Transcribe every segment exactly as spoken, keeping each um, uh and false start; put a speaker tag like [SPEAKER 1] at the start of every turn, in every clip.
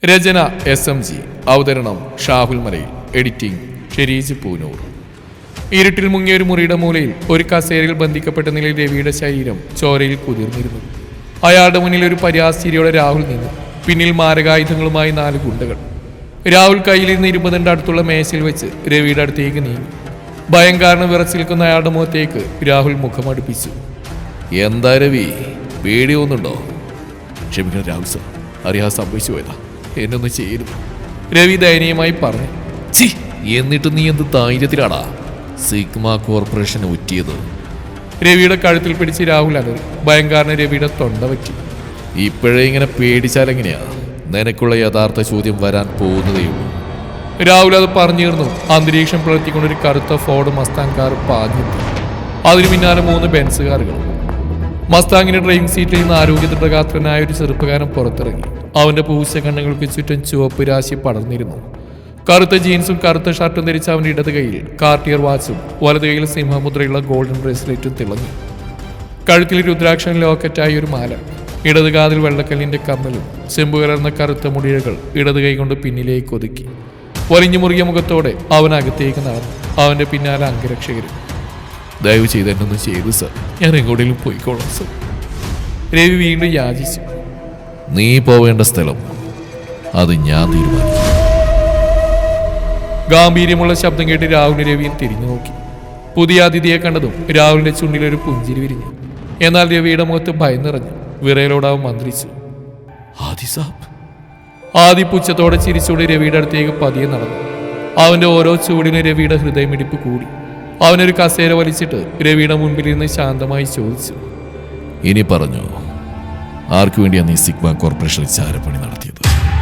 [SPEAKER 1] രചന S M G. അവതരണം Shahul Malayil. Editing Shereej Poonoor. ഇരുട്ടിൽ മുങ്ങിയ ഒരു മുറിയുടെ മൂലയിൽ ഒരു കസേരയിൽ ബന്ധിക്കപ്പെട്ട നിലയിൽ രവിയുടെ ശരീരം ചോരയിൽ കുതിർന്നിരുന്നു. അയാളുടെ മുന്നിൽ ഒരു പരിഹാസ്ചിരിയോടെ രാഹുൽ നിന്നു. പിന്നിൽ മാരകായുധങ്ങളുമായി നാല് ഗുണ്ടകൾ. രാഹുൽ കയ്യിലിരുന്ന് ഇരുപതിൻ്റെ അടുത്തുള്ള മേശയിൽ വെച്ച് രവിയുടെ അടുത്തേക്ക് നീങ്ങി. ഭയം കാരണം വിറച്ചു നിൽക്കുന്ന അയാളുടെ മുഖത്തേക്ക് രാഹുൽ മുഖം അടുപ്പിച്ചു.
[SPEAKER 2] എന്താ രവി, പേടി തോന്നുന്നുണ്ടോ? ക്ഷമിക്കണം രാഹുൽ സർ, അറിയാതെ സംഭവിച്ചു പോയതാ, എന്നൊന്ന് ചെയ്യരുത്.
[SPEAKER 1] രവി ദയനീയമായി പറഞ്ഞു.
[SPEAKER 2] ചി, എന്നിട്ട് നീ എന്ത് ധൈര്യത്തിലാടാ സിഗ്മ കോർപ്പറേഷൻ ഒറ്റിയത്?
[SPEAKER 1] രവിയുടെ കഴുത്തിൽ പിടിച്ച് രാഹുൽ അലറി. ഭയം കാരണം രവിയുടെ തൊണ്ട പറ്റി.
[SPEAKER 2] ഇപ്പോഴേ ഇങ്ങനെ പേടിച്ചാലെങ്ങനെയാ? നിനക്കുള്ള യഥാർത്ഥ ചോദ്യം വരാൻ പോകുന്നതേയുള്ളൂ.
[SPEAKER 1] രാഹുൽ അത് പറഞ്ഞിരുന്നു. അന്തരീക്ഷം പുലർത്തിക്കൊണ്ടൊരു കറുത്ത ഫോർഡ് മസ്താങ് കാർ പാഞ്ഞെത്തി. അതിനു പിന്നാലെ മൂന്ന് ബെൻസ് കാറുകൾ. മസ്താങ്ങിന്റെ ഡ്രൈവിംഗ് സീറ്റിൽ നിന്ന് ആരോഗ്യദൃഢഗാത്രനായ ഒരു ചെറുപ്പക്കാരൻ പുറത്തിറങ്ങി. അവന്റെ പൂച്ച കണ്ണുകൾക്ക് ചുറ്റും ചുവപ്പ് രാശി പടർന്നിരുന്നു. കറുത്ത ജീൻസും കറുത്ത ഷർട്ടും ധരിച്ച അവന്റെ ഇടത് കൈയിൽ കാർട്ടിയർ വാച്ചും വലത് കൈയിൽ സിംഹമുദ്രയുള്ള ഗോൾഡൻ ബ്രേസ്ലെറ്റും തിളങ്ങി. കഴുത്തിൽ രുദ്രാക്ഷൻ ലോക്കറ്റായി ഒരു മാല, ഇടത് കാതിൽ വെള്ളക്കല്ലിന്റെ കമ്മലും ചെമ്പു കലർന്ന കറുത്ത മുടിഴകൾ ഇടത് കൈ കൊണ്ട് പിന്നിലേക്ക് ഒതുക്കി. വലിഞ്ഞു മുറുകിയ മുഖത്തോടെ അവൻ അകത്തേക്ക് നടന്നു. അവന്റെ പിന്നാലെ അംഗരക്ഷകരും.
[SPEAKER 2] ദയവ് ചെയ്ത് എന്നൊന്ന് ചെയ്തു സർ, ഞാൻ എങ്ങോട്ടെങ്കിലും പോയിക്കോളാം സർ.
[SPEAKER 1] രവി വീണ്ടും യാചിച്ചു.
[SPEAKER 2] നീ പോവേണ്ട സ്ഥലം അത് ഞാൻ തീരുമാനിക്കും.
[SPEAKER 1] ഗാംഭീര്യമുള്ള ശബ്ദം കേട്ട് രാഹുലിന് രവിയും തിരിഞ്ഞു നോക്കി. പുതിയ അതിഥിയെ കണ്ടതും രാഹുലിന്റെ ചുണ്ടിലൊരു പുഞ്ചിരി വിരിഞ്ഞു. എന്നാൽ രവിയുടെ മുഖത്ത് ഭയം നിറഞ്ഞു. വിറയലോടാവും മന്ത്രിച്ചു.
[SPEAKER 2] ആദി സാബ്.
[SPEAKER 1] ആദി പുച്ഛത്തോടെ ചിരിച്ചുകൊണ്ട് രവിയുടെ അടുത്തേക്ക് പതിയെ നടന്നു. അവന്റെ ഓരോ ചൂടിനും രവിയുടെ ഹൃദയമിടിപ്പ് കൂടി. അവനൊരു കസേര വലിച്ചിട്ട് രവിയുടെ മുൻപിൽ നിന്ന് ശാന്തമായി ചോദിച്ചു.
[SPEAKER 2] ഇനി പറഞ്ഞു, ആർക്കു വേണ്ടിയാണ് നീ സിഗ്മ കോർപ്പറേഷനിൽ ചാരപ്പണി നടത്തിയത്?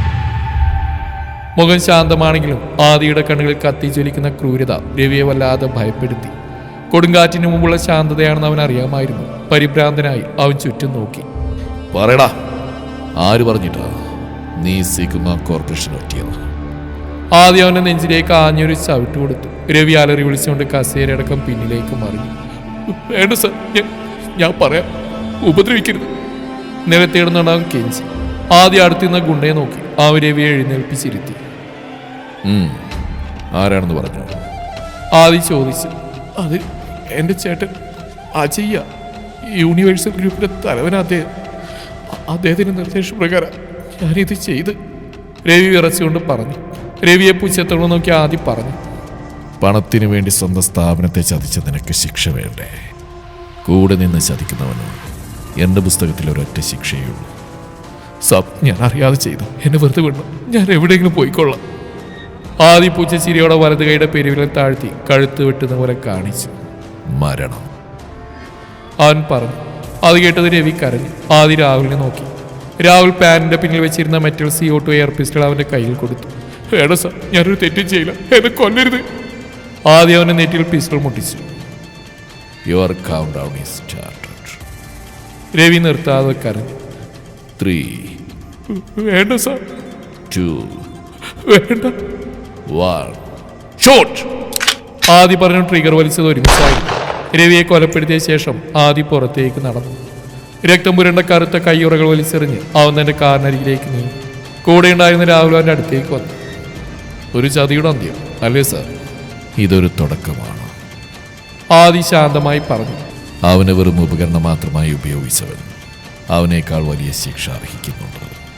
[SPEAKER 1] മുഖം ശാന്തമാണെങ്കിലും ആദിയുടെ കണ്ണുകളിൽ കത്തിജ്വലിക്കുന്ന ക്രൂരത രവിയെ വല്ലാതെ ഭയപ്പെടുത്തി. കൊടുങ്കാറ്റിന് മുമ്പുള്ള ശാന്തതയാണെന്ന് അവൻ അറിയാമായിരുന്നു. പരിഭ്രാന്തനായി അവൻ ചുറ്റും നോക്കി.
[SPEAKER 2] പറയടാ, ആര് പറഞ്ഞിട്ടാ നീ സിഗ്മ കോർപ്പറേഷൻ ഒറ്റിയത്?
[SPEAKER 1] ആദ്യം അവന്റെ നെഞ്ചിലേക്ക് ആഞ്ഞൊരു ചവിട്ട് കൊടുത്തു. രവി അലറി വിളിച്ചുകൊണ്ട് കസേരയടക്കം പിന്നിലേക്ക് മറിഞ്ഞു. വേണ്ട സർ, ഞാൻ പറയാം, ഉപദ്രവിക്കരുത്. നിലത്തിടുന്നുണ്ടാവും കെഞ്ചി. ആദ്യം അടുത്തുനിന്ന ഗുണ്ടയെ നോക്കി അവൻ രവിയെ എഴുന്നേൽപ്പിച്ചിരുത്തി.
[SPEAKER 2] ആരാണെന്ന് പറഞ്ഞു?
[SPEAKER 1] ആദ്യം ചോദിച്ചു. അത് എൻ്റെ ചേട്ടൻ അജയ്യ, യൂണിവേഴ്സൽ ഗ്രൂപ്പിന്റെ തലവൻ. അദ്ദേഹം അദ്ദേഹത്തിന്റെ നിർദ്ദേശപ്രകാരം ഞാനിത് ചെയ്ത്. രവി വിറച്ചുകൊണ്ട് പറഞ്ഞു. രവിയെ പുച്ഛത്തോടെ നോക്കി ആദ്യം പറഞ്ഞു.
[SPEAKER 2] പണത്തിനു വേണ്ടി സ്വന്തം സ്ഥാപനത്തെ ചതിച്ച നിനക്ക് ശിക്ഷ വേണ്ടേ? കൂടെ നിന്ന് ചതിക്കുന്നവന് എൻ്റെ പുസ്തകത്തിൽ ഒരൊറ്റ ശിക്ഷയുള്ളൂ.
[SPEAKER 1] സബ്, ഞാൻ അറിയാതെ ചെയ്തു, എന്നെ വെറുതെ വിടണം, ഞാൻ എവിടെയെങ്കിലും പോയിക്കൊള്ളാം. ആദ്യ പൂച്ച ചിരിയോടെ വലത് കൈയുടെ പെരുവിരൽ താഴ്ത്തി കഴുത്ത് വെട്ടുന്ന പോലെ കാണിച്ചു.
[SPEAKER 2] മരണം,
[SPEAKER 1] അവൻ പറഞ്ഞു. അത് കേട്ടത് രവി കരഞ്ഞു. ആദ്യ രാഹുലിനെ നോക്കി. രാഹുൽ പാനിന്റെ പിന്നിൽ വെച്ചിരുന്ന metal C O two air pistol അവന്റെ കയ്യിൽ കൊടുത്തു. വേണ്ട സർ, ഞാനൊരു തെറ്റും ചെയ്യില്ല, എന്നെ കൊല്ലരുത്. ആദ്യം അവന്റെ നെറ്റിയിൽ പിസ്റ്റൾ മുട്ടിച്ചു.
[SPEAKER 2] Your count down is started.
[SPEAKER 1] Ravi നിർത്താതെ കരഞ്ഞു.
[SPEAKER 2] ത്രീ.
[SPEAKER 1] വേണ്ട സർ.
[SPEAKER 2] ടു.
[SPEAKER 1] വേണ്ട.
[SPEAKER 2] വൺ.
[SPEAKER 1] ഷോട്ട്. ആദി പറഞ്ഞു. ട്രിഗർ വലിച്ചത് ഒരുമിച്ചായിരുന്നു. രവിയെ കൊലപ്പെടുത്തിയ ശേഷം ആദി പുറത്തേക്ക് നടന്നു. രക്തം പുരണ്ട കറുത്ത കയ്യുറകൾ വലിച്ചെറിഞ്ഞ് അവൻ തന്റെ കാറിനരികിലേക്ക് നീങ്ങി. കൂടെ ഉണ്ടായിരുന്ന രാഹുൽ അവന്റെ അടുത്തേക്ക് വന്നു. ഒരു ചതിയുടെ അന്ത്യം അല്ലേ സാർ?
[SPEAKER 2] ഇതൊരു തുടക്കമാണ്,
[SPEAKER 1] ആദി ശാന്തമായി പറഞ്ഞു.
[SPEAKER 2] അവനെ വെറും ഉപകരണം മാത്രമായി ഉപയോഗിച്ചവൻ അവനേക്കാൾ വലിയ ശിക്ഷ അർഹിക്കുന്നുണ്ട്.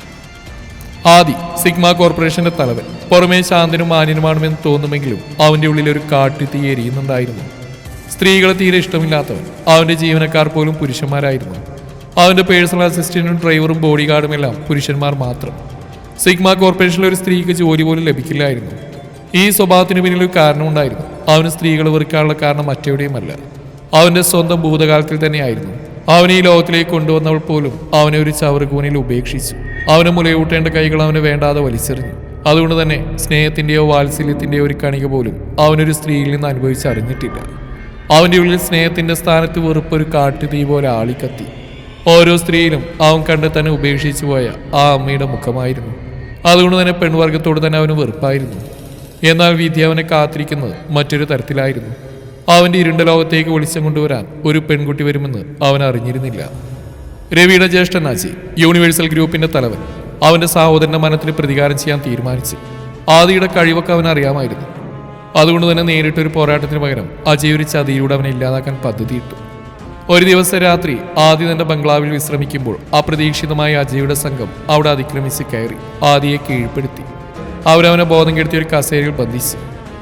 [SPEAKER 1] ആദി സിഗ്മ കോർപ്പറേഷന്റെ തലവൻ. പുറമേ ശാന്തനും മാന്യനുമാണെന്ന് തോന്നുമെങ്കിലും അവന്റെ ഉള്ളിൽ ഒരു കാട്ടുതീ എരിയുന്നുണ്ടായിരുന്നു. സ്ത്രീകളെ തീരെ ഇഷ്ടമില്ലാത്തവൻ. അവന്റെ ജീവനക്കാർ പോലും പുരുഷന്മാരായിരുന്നു. അവന്റെ പേഴ്സണൽ അസിസ്റ്റന്റും ഡ്രൈവറും ബോഡി ഗാർഡും എല്ലാം പുരുഷന്മാർ മാത്രം. സിഗ്മ കോർപ്പറേഷനിൽ ഒരു സ്ത്രീക്ക് ജോലി പോലും ലഭിക്കില്ലായിരുന്നു. ഈ സ്വഭാവത്തിന് പിന്നിൽ ഒരു കാരണമുണ്ടായിരുന്നു. അവന് സ്ത്രീകൾ വെറുക്കാനുള്ള കാരണം മറ്റെവിടെയുമല്ല, അവന്റെ സ്വന്തം ഭൂതകാലത്തിൽ തന്നെയായിരുന്നു. അവനെ ഈ ലോകത്തിലേക്ക് കൊണ്ടുവന്നവൾ പോലും അവനെ ഒരു ചവറുകൂനിൽ ഉപേക്ഷിച്ചു. അവനെ മുലയൂട്ടേണ്ട കൈകൾ അവനെ വേണ്ടാതെ വലിച്ചെറിഞ്ഞു. അതുകൊണ്ട് തന്നെ സ്നേഹത്തിന്റെയോ വാത്സല്യത്തിന്റെയോ ഒരു കണിക പോലും അവനൊരു സ്ത്രീയിൽ നിന്ന് അനുഭവിച്ചറിഞ്ഞിട്ടില്ല. അവന്റെ ഉള്ളിൽ സ്നേഹത്തിന്റെ സ്ഥാനത്ത് വെറുപ്പൊരു കാട്ടുതീ പോലെ ആളിക്കത്തി. ഓരോ സ്ത്രീയിലും അവൻ കണ്ട് തന്നെ ഉപേക്ഷിച്ചു പോയ ആ അമ്മയുടെ മുഖമായിരുന്നു. അതുകൊണ്ട് തന്നെ പെൺവർഗത്തോട് തന്നെ അവന് വെറുപ്പായിരുന്നു. എന്നാൽ വിധി അവനെ കാത്തിരിക്കുന്നത് മറ്റൊരു തരത്തിലായിരുന്നു. അവന്റെ ഇരുണ്ട ലോകത്തേക്ക് വെളിച്ചം കൊണ്ടുവരാൻ ഒരു പെൺകുട്ടി വരുമെന്ന് അവൻ അറിഞ്ഞിരുന്നില്ല. രവിയുടെ ജ്യേഷ്ഠൻ അജയ്, യൂണിവേഴ്സൽ ഗ്രൂപ്പിന്റെ തലവൻ. അവന്റെ സഹോദരന്റെ മരണത്തിന് പ്രതികാരം ചെയ്യാൻ തീരുമാനിച്ചു. ആദിയുടെ കഴിവൊക്കെ അവൻ അറിയാമായിരുന്നു. അതുകൊണ്ട് തന്നെ നേരിട്ടൊരു പോരാട്ടത്തിന് പകരം അജയ് ഒരു ചതിയിലൂടെ അവനെ ഇല്ലാതാക്കാൻ പദ്ധതിയിട്ടു. ഒരു ദിവസം രാത്രി ആദി തന്റെ ബംഗ്ലാവിൽ വിശ്രമിക്കുമ്പോൾ അപ്രതീക്ഷിതമായി അജയുടെ സംഘം അവിടെ അതിക്രമിച്ച് കയറി ആദിയെ കീഴ്പ്പെടുത്തി. അവരവനെ ബോധം കെടുത്തി ഒരു കസേരയിൽ ബന്ധിച്ചു.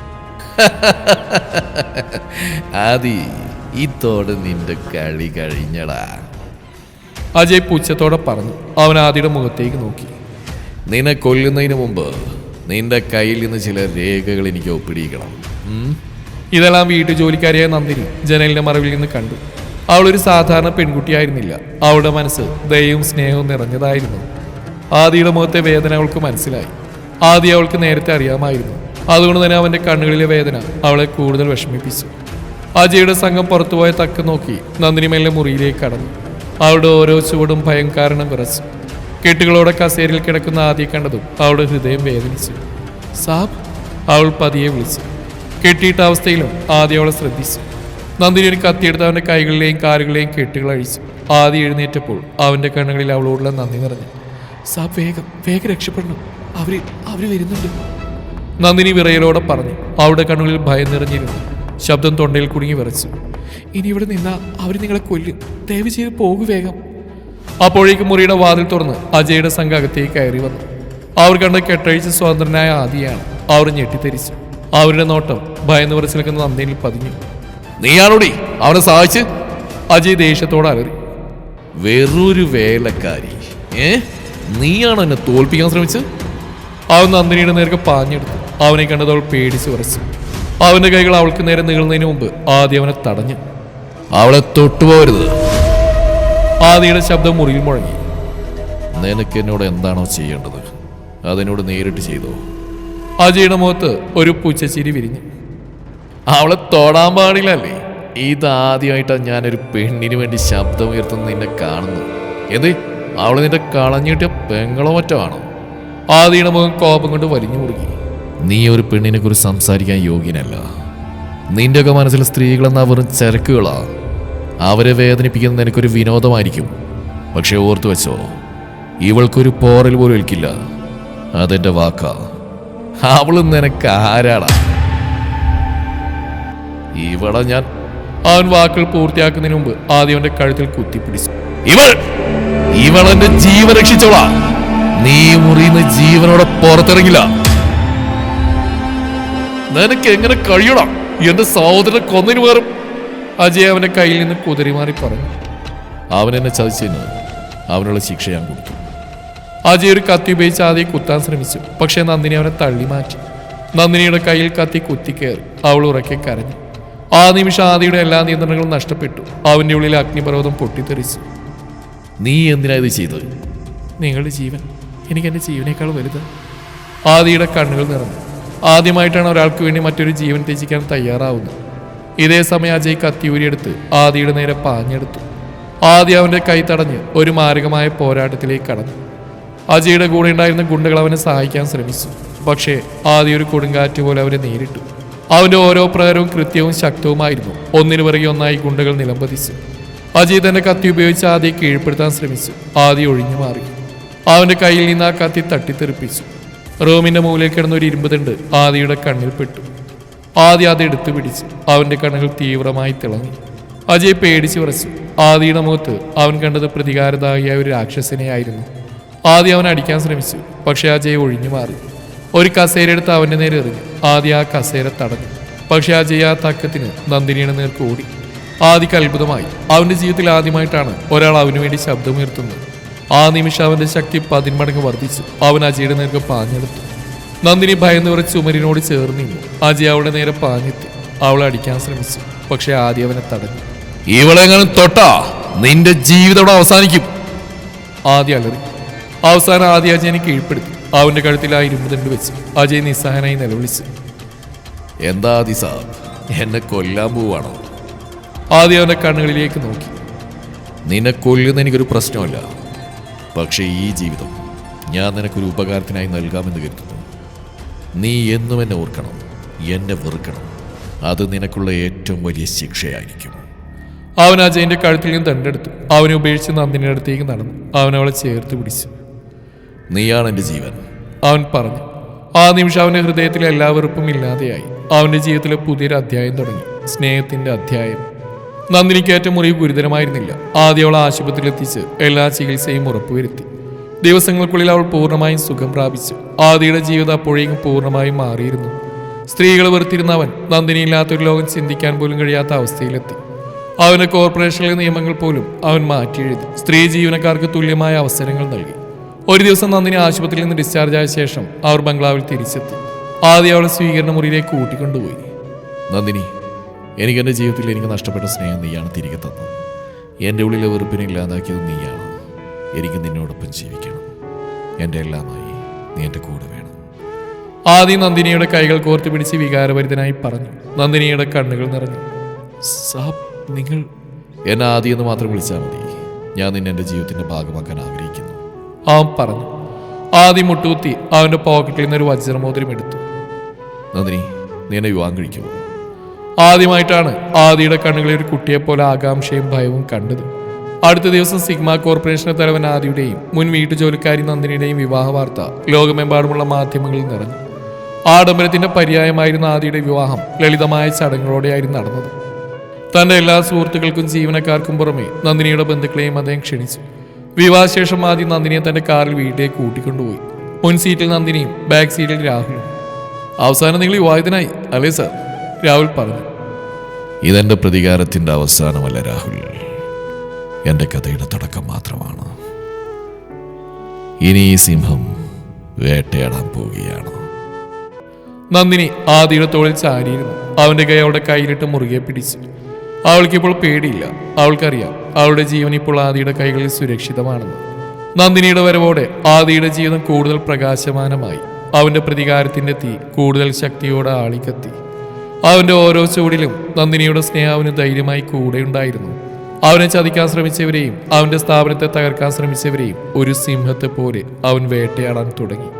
[SPEAKER 2] ആദി, ഇതോടെ നിന്റെ കളി കഴിഞ്ഞടാ,
[SPEAKER 1] അജയ് പുച്ഛത്തോടെ പറഞ്ഞു. അവൻ ആദിയുടെ മുഖത്തേക്ക് നോക്കി.
[SPEAKER 2] നിന്നെ കൊല്ലുന്നതിന് മുമ്പ് നിന്റെ കയ്യിൽ നിന്ന് ചില രേഖകൾ എനിക്ക് ഒപ്പിടിക്കണം.
[SPEAKER 1] ഇതെല്ലാം വീട്ടു ജോലിക്കാരിയായ നന്ദിനി ജനലിന്റെ മറവിൽ നിന്ന് കണ്ടു. അവളൊരു സാധാരണ പെൺകുട്ടിയായിരുന്നില്ല. അവളുടെ മനസ്സ് ദയവും സ്നേഹവും നിറഞ്ഞതായിരുന്നു. ആദിയുടെ മുഖത്തെ വേദന അവൾക്ക് മനസ്സിലായി. ആദി അവൾക്ക് നേരത്തെ അറിയാമായിരുന്നു. അതുകൊണ്ട് തന്നെ അവന്റെ കണ്ണുകളിലെ വേദന അവളെ കൂടുതൽ വിഷമിപ്പിച്ചു. അജയുടെ സംഘം പുറത്തുപോയ തക്ക നോക്കി നന്ദിനി മെല്ലെ മുറിയിലേക്ക് കടന്നു. അവളുടെ ഓരോ ചുവടും ഭയം കാരണം വിറച്ചു. കെട്ടുകളോടെ കസേരയിൽ കിടക്കുന്ന ആദിയെ കണ്ടതും അവളുടെ ഹൃദയം വേദനിച്ചു. സാബ്, അവൾ പതിയെ വിളിച്ചു. കെട്ടിയിട്ട അവസ്ഥയിലും ആദ്യ അവളെ ശ്രദ്ധിച്ചു. നന്ദിനി ഒരു കത്തിയെടുത്ത് അവന്റെ കൈകളിലെയും കാലുകളിലെയും കെട്ടുകൾ അഴിച്ചു. ആദ്യം എഴുന്നേറ്റപ്പോൾ അവന്റെ കണ്ണുകളിൽ അവളോടുള്ള നന്ദി നിറഞ്ഞു. സാബ്, വേഗം വേഗം രക്ഷപ്പെടണം, അവര് അവര് വരുന്നുണ്ട്, നന്ദിനി വിറയലോടെ പറഞ്ഞു. അവളുടെ കണ്ണുകളിൽ ഭയം നിറഞ്ഞിരുന്നു. ശബ്ദം തൊണ്ടയിൽ കുടുങ്ങി വിറച്ചു. ഇനി ഇവിടെ നിന്നാ അവർ നിങ്ങളെ കൊല്ലും, ദയവ് ചെയ്ത് പോകു വേഗം. അപ്പോഴേക്കും മുറിയുടെ വാതിൽ തുറന്ന് അജയുടെ സംഘം അകത്തേക്ക് കയറി വന്നു. അവർ കണ്ട കെട്ടഴിച്ച് സ്വതന്ത്രനായ ആദിയാണ്. അവർ ഞെട്ടിത്തെരിച്ചു. അവരുടെ നോട്ടം ഭയന്ന് വിറച്ചു നിൽക്കുന്ന നന്ദിനിൽ പതിഞ്ഞു.
[SPEAKER 2] നീയാണോടി അവനെ സഹായിച്ച്?
[SPEAKER 1] അജയ് ദേഷ്യത്തോടെ അലറി.
[SPEAKER 2] വെറൊരു വേലക്കാരി, ഏ നീയാണോ എന്നെ തോൽപ്പിക്കാൻ ശ്രമിച്ചത്?
[SPEAKER 1] അവൻ നന്ദിനിയുടെ നേർക്ക് പാഞ്ഞെടുത്തു. അവനെ കണ്ടത് അവൾ പേടിച്ച് വിറച്ചു. അവന്റെ കൈകൾ അവൾക്ക് നേരെ നീളുന്നതിന് മുമ്പ് ആദ്യം അവനെ തടഞ്ഞു.
[SPEAKER 2] അവളെ തൊട്ടുപോകരുത്.
[SPEAKER 1] ആദിയുടെ ശബ്ദം മുറിയിൽ മുഴങ്ങി.
[SPEAKER 2] നിനക്ക് എന്നോട് എന്താണോ ചെയ്യേണ്ടത് അതിനോട് നേരിട്ട് ചെയ്തോ.
[SPEAKER 1] അജയുടെ മുഖത്ത് ഒരു പുച്ഛച്ചിരി വിരിഞ്ഞു.
[SPEAKER 2] അവളെ തൊടാൻ പാടില്ലല്ലേ? ഇതാദ്യമായിട്ടാണ് ഞാനൊരു പെണ്ണിന് വേണ്ടി ശബ്ദം ഉയർത്തുന്ന നിന്നെ കാണുന്നു. എന്ത്, അവള് നിന്റെ കളഞ്ഞിട്ടിയ പെങ്ങളോ മറ്റോ ആണോ?
[SPEAKER 1] ആദിയുടെ മുഖം കോപം കൊണ്ട് വലിഞ്ഞു മുറുകി.
[SPEAKER 2] നീ ഒരു പെണ്ണിനെ കുറിച്ച് സംസാരിക്കാൻ യോഗ്യനല്ല. നിന്റെയൊക്കെ മനസ്സിൽ സ്ത്രീകളെന്നാ വെറും ചരക്കുകളാ. അവരെ വേദനിപ്പിക്കുന്നത് നിനക്കൊരു വിനോദമായിരിക്കും. പക്ഷെ ഓർത്തു വെച്ചോ, ഇവൾക്കൊരു പോറൽ പോലും ഏൽക്കില്ല. അതെന്റെ വാക്കാ. അവള് നിനക്ക് ആരാടാ? ഇവളെ ഞാൻ...
[SPEAKER 1] അവൻ വാക്കുകൾ പൂർത്തിയാക്കുന്നതിന് മുമ്പ് ആദ്യവന്റെ കഴുത്തിൽ കുത്തിപ്പിടിച്ചു.
[SPEAKER 2] ഇവൾ ഇവളെന്റെ ജീവൻ രക്ഷിച്ചോളാ. നീ മുറിയുന്ന ജീവനോടെ പുറത്തിറങ്ങില്ല.
[SPEAKER 1] നിനക്ക് എങ്ങനെ കഴിയണം എന്റെ സഹോദരനെ കൊന്നതിന് പകരം? അജയ് അവന്റെ കയ്യിൽ നിന്ന് കുതിരിമാറി പറഞ്ഞു.
[SPEAKER 2] അവൻ എന്നെ ചതിച്ചതിന് അവനുള്ള ശിക്ഷ ഞാൻ കൊടുത്തു.
[SPEAKER 1] അജയ് ഒരു കത്തി ഉപയോഗിച്ച് ആദ്യം കുത്താൻ ശ്രമിച്ചു. പക്ഷെ നന്ദിനി അവനെ തള്ളി മാറ്റി. നന്ദിനിയുടെ കയ്യിൽ കത്തി കുത്തിക്കയറി. അവൾ ഉറക്കെ കരഞ്ഞു. ആ നിമിഷം ആദിയുടെ എല്ലാ നിയന്ത്രണങ്ങളും നഷ്ടപ്പെട്ടു. അവന്റെ ഉള്ളിൽ അഗ്നിപർവ്വതം പൊട്ടിത്തെറിച്ചു.
[SPEAKER 2] നീ എന്തിനാ ഇത് ചെയ്തത്?
[SPEAKER 1] നിങ്ങളുടെ ജീവൻ എനിക്ക് എൻ്റെ ജീവനേക്കാൾ വലുത്. ആദിയുടെ കണ്ണുകൾ നിറഞ്ഞു. ആദ്യമായിട്ടാണ് ഒരാൾക്ക് വേണ്ടി മറ്റൊരു ജീവൻ ത്യജിക്കാൻ തയ്യാറാവുന്നത്. ഇതേ സമയം അജയ് കത്തിയൂരിയെടുത്ത് ആദിയുടെ നേരെ പാഞ്ഞെടുത്തു. ആദി അവന്റെ കൈ തടഞ്ഞ് ഒരു മാരകമായ പോരാട്ടത്തിലേക്ക് കടന്നു. അജയുടെ കൂടെ ഉണ്ടായിരുന്ന ഗുണ്ടകൾ അവനെ സഹായിക്കാൻ ശ്രമിച്ചു. പക്ഷേ ആദി ഒരു കൊടുങ്കാറ്റ് പോലെ അവരെ നേരിട്ടു. അവന്റെ ഓരോ പ്രകാരവും കൃത്യവും ശക്തവുമായിരുന്നു. ഒന്നിനു പിറകെ ഒന്നായി ഗുണ്ടകൾ നിലംപതിച്ചു. അജയ് തന്റെ കത്തി ഉപയോഗിച്ച് ആദിയെ കീഴ്പ്പെടുത്താൻ ശ്രമിച്ചു. ആദി ഒഴിഞ്ഞു മാറി. അവന്റെ കയ്യിൽ നിന്ന് ആ കത്തി തട്ടിത്തെറിപ്പിച്ചു. റൂമിന്റെ മുകളിൽ കിടന്ന ഒരു ഇരുമ്പ് തണ്ട് ആദിയുടെ കണ്ണിൽ പെട്ടു. ആദി അത് എടുത്തു പിടിച്ചു. അവന്റെ കണ്ണുകൾ തീവ്രമായി തിളങ്ങി. അജയ് പേടിച്ചു വിറച്ചു. ആദിയുടെ മുഖത്ത് അവൻ കണ്ടത് പ്രതികാരദാഹിയായ ഒരു രാക്ഷസനെയായിരുന്നു. ആദ്യം അവൻ അടിക്കാൻ ശ്രമിച്ചു. പക്ഷെ അജയ് ഒഴിഞ്ഞു മാറി. ഒരു കസേര എടുത്ത് അവന്റെ നേരെ എറിഞ്ഞു. ആദ്യം ആ കസേര തടഞ്ഞു. പക്ഷെ അജയ് ആ തക്കത്തിന് നന്ദിനിയുടെ നേർക്ക് ഓടി. ആദിക്ക് അത്ഭുതമായി. അവന്റെ ജീവിതത്തിൽ ആദ്യമായിട്ടാണ് ഒരാൾ അവന് വേണ്ടി ശബ്ദമുയർത്തുന്നത്. ആ നിമിഷം അവന്റെ ശക്തി പതിന്മടങ്ങ് വർദ്ധിച്ചു. അവൻ അജയുടെ നേർക്ക് പാഞ്ഞെടുത്തു. നന്ദിനി ഭയന്ന് വിറച്ച് ചുമരിനോട് ചേർന്നിരുന്നു. അജയ് അവളുടെ നേരെ പാഞ്ഞെത്തി. അവളെ അടിക്കാൻ ശ്രമിച്ചു. പക്ഷെ ആദ്യം അവനെ തടഞ്ഞു.
[SPEAKER 2] ഇവളെങ്ങനെ തൊട്ടാ നിന്റെ ജീവിതം അവസാനിക്കും.
[SPEAKER 1] ആദ്യം അലറി. അവസാനം ആദ്യ അജയനെ കീഴ്പ്പെടുത്തി. അവന്റെ കഴുത്തിൽ ആ ഇരുമ്പ് തണ്ട് വെച്ച് അജയ് നിസ്സഹനായി നിലവിളിച്ചു.
[SPEAKER 2] എന്താ ആദി സാബ്, എന്നെ കൊല്ലാൻ പോവാണോ?
[SPEAKER 1] ആദ്യം അവന്റെ കണ്ണുകളിലേക്ക് നോക്കി.
[SPEAKER 2] നിന്നെ കൊല്ലുന്ന എനിക്കൊരു പ്രശ്നമല്ല. പക്ഷേ ഈ ജീവിതം ഞാൻ നിനക്കൊരു ഉപകാരത്തിനായി നൽകാമെന്ന് കരുതുന്നു. നീ എന്നും എന്നെ ഓർക്കണം, എന്നെ വെറുക്കണം. അത് നിനക്കുള്ള ഏറ്റവും വലിയ ശിക്ഷയായിരിക്കും.
[SPEAKER 1] അവൻ അജയന്റെ കഴുത്തിൽ നിന്ന് തണ്ടെടുത്തു. അവനെ ഉപേക്ഷിച്ച് നന്ദിനിയുടെ അടുത്തേക്ക് നടന്നു. അവൻ അവളെ ചേർത്ത് പിടിച്ചു.
[SPEAKER 2] നീയാണ് എൻ്റെ ജീവൻ.
[SPEAKER 1] അവൻ പറഞ്ഞു. ആ നിമിഷം അവന്റെ ഹൃദയത്തിലെ എല്ലാ വെറുപ്പും ഇല്ലാതെയായി. അവന്റെ ജീവിതത്തിലെ പുതിയൊരു അധ്യായം തുടങ്ങി, സ്നേഹത്തിന്റെ അധ്യായം. നന്ദിനിക്കേറ്റ മുറിവ് ഗുരുതരമായിരുന്നില്ല. ആദ്യം അവൾ ആശുപത്രിയിലെത്തിച്ച് എല്ലാ ചികിത്സയും ഉറപ്പുവരുത്തി. ദിവസങ്ങൾക്കുള്ളിൽ അവൾ പൂർണ്ണമായും സുഖം പ്രാപിച്ചു. ആദിയുടെ ജീവിതം അപ്പോഴേക്കും പൂർണ്ണമായും മാറിയിരുന്നു. സ്ത്രീകൾ വെറുത്തിരുന്ന അവൻ നന്ദിനിയില്ലാത്തൊരു ലോകം ചിന്തിക്കാൻ പോലും കഴിയാത്ത അവസ്ഥയിലെത്തി. അവന്റെ കോർപ്പറേഷനിലെ നിയമങ്ങൾ പോലും അവൻ മാറ്റിയെഴുതി. സ്ത്രീ ജീവനക്കാർക്ക് തുല്യമായ അവസരങ്ങൾ നൽകി. ഒരു ദിവസം നന്ദിനി ആശുപത്രിയിൽ നിന്ന് ഡിസ്ചാർജ് ആയ ശേഷം അവർ ബംഗ്ലാവിൽ തിരിച്ചെത്തി. ആദ്യം അവളെ സ്വീകരണ മുറിയിലേക്ക് കൂട്ടിക്കൊണ്ടുപോയി.
[SPEAKER 2] നന്ദിനി, എനിക്ക് എൻ്റെ ജീവിതത്തിൽ എനിക്ക് നഷ്ടപ്പെട്ട സ്നേഹം നീയാണ് തിരികെ തന്നത്. എൻ്റെ ഉള്ളിലെ വെറുപ്പിനെ ഇല്ലാതാക്കിയത് നീയാണ്. എനിക്ക് നിന്നോടൊപ്പം ജീവിക്കണം. എൻ്റെ എല്ലാമായി നീ എൻ്റെ കൂടെ വേണം.
[SPEAKER 1] ആദ്യം നന്ദിനിയുടെ കൈകൾ കോർത്ത് പിടിച്ച് വികാരഭരിതനായി പറഞ്ഞു. നന്ദിനിയുടെ കണ്ണുകൾ നിറഞ്ഞു.
[SPEAKER 2] സാബ്, നിങ്ങൾ എന്നെ ആദ്യം എന്ന് മാത്രം വിളിച്ചാൽ മതി. ഞാൻ നിന്നെ എൻ്റെ ജീവിതത്തിൻ്റെ ഭാഗമാക്കാൻ ആഗ്രഹിക്കുന്നു.
[SPEAKER 1] അവൻ പറഞ്ഞു. ആദ്യം മുട്ടുകുത്തി അവന്റെ പോക്കറ്റിൽ നിന്നൊരു വജ്രമോതിരം എടുത്തു.
[SPEAKER 2] നന്ദിനി, നീ എന്നെ വിവാഹം കഴിക്കുമോ?
[SPEAKER 1] ആദ്യമായിട്ടാണ് ആദിയുടെ കണ്ണുകളിൽ ഒരു കുട്ടിയെപ്പോലെ ആകാംക്ഷയും ഭയവും കണ്ടത്. അടുത്ത ദിവസം സിഗ്മ കോർപ്പറേഷന്റെ തലവൻ ആദിയുടെയും മുൻ വീട്ടുജോലിക്കാരി നന്ദിനിയുടെയും വിവാഹ വാർത്ത ലോകമെമ്പാടുമുള്ള മാധ്യമങ്ങളിൽ നിറഞ്ഞു. ആഡംബരത്തിന്റെ പര്യായമായിരുന്ന ആദിയുടെ വിവാഹം ലളിതമായ ചടങ്ങുകളോടെയായിരുന്നു നടന്നത്. തന്റെ എല്ലാ സുഹൃത്തുക്കൾക്കും ജീവനക്കാർക്കും പുറമെ നന്ദിനിയുടെ ബന്ധുക്കളെയും അദ്ദേഹം ക്ഷണിച്ചു. വിവാഹശേഷം ആദ്യം നന്ദിനിയെ തന്റെ കാറിൽ വീട്ടിലേക്ക് കൂട്ടിക്കൊണ്ടുപോയി. മുൻ സീറ്റിൽ നന്ദിനിയും ബാക്ക് സീറ്റിൽ രാഹുലും. അവസാനം നിങ്ങൾ വിവാഹിതനായി അല്ലേ സാർ? രാഹുൽ പറഞ്ഞു.
[SPEAKER 2] ഇതെന്റെ പ്രതികാരത്തിന്റെ അവസാനമല്ല രാഹുൽ, എന്റെ കഥയുടെ തുടക്കം മാത്രമാണ്. ഇനി ഈ സിംഹം വേട്ടയാടാൻ പോവുകയാണ്.
[SPEAKER 1] നന്ദിനി ആദിയുടെ തോളിൽ ചാരിയിരുന്നു. അവന്റെ കൈ അവളുടെ കയ്യിലിട്ട് മുറുകെ പിടിച്ചു. അവൾക്കിപ്പോൾ പേടിയില്ല. അവൾക്കറിയാം അവളുടെ ജീവൻ ഇപ്പോൾ ആദിയുടെ കൈകളിൽ സുരക്ഷിതമാണെന്ന്. നന്ദിനിയുടെ വരവോടെ ആദിയുടെ ജീവിതം കൂടുതൽ പ്രകാശമാനമായി. അവന്റെ പ്രതികാരത്തിന്റെ തീ കൂടുതൽ ശക്തിയോടെ ആളിക്കത്തി. അവന്റെ ഓരോ ചൂടിലും നന്ദിനിയുടെ സ്നേഹം അവന് ധൈര്യമായി കൂടെയുണ്ടായിരുന്നു. അവനെ ചതിക്കാൻ ശ്രമിച്ചവരെയും അവന്റെ സ്ഥാപനത്തെ തകർക്കാൻ ശ്രമിച്ചവരെയും ഒരു സിംഹത്തെ പോലെ അവൻ വേട്ടയാടാൻ തുടങ്ങി.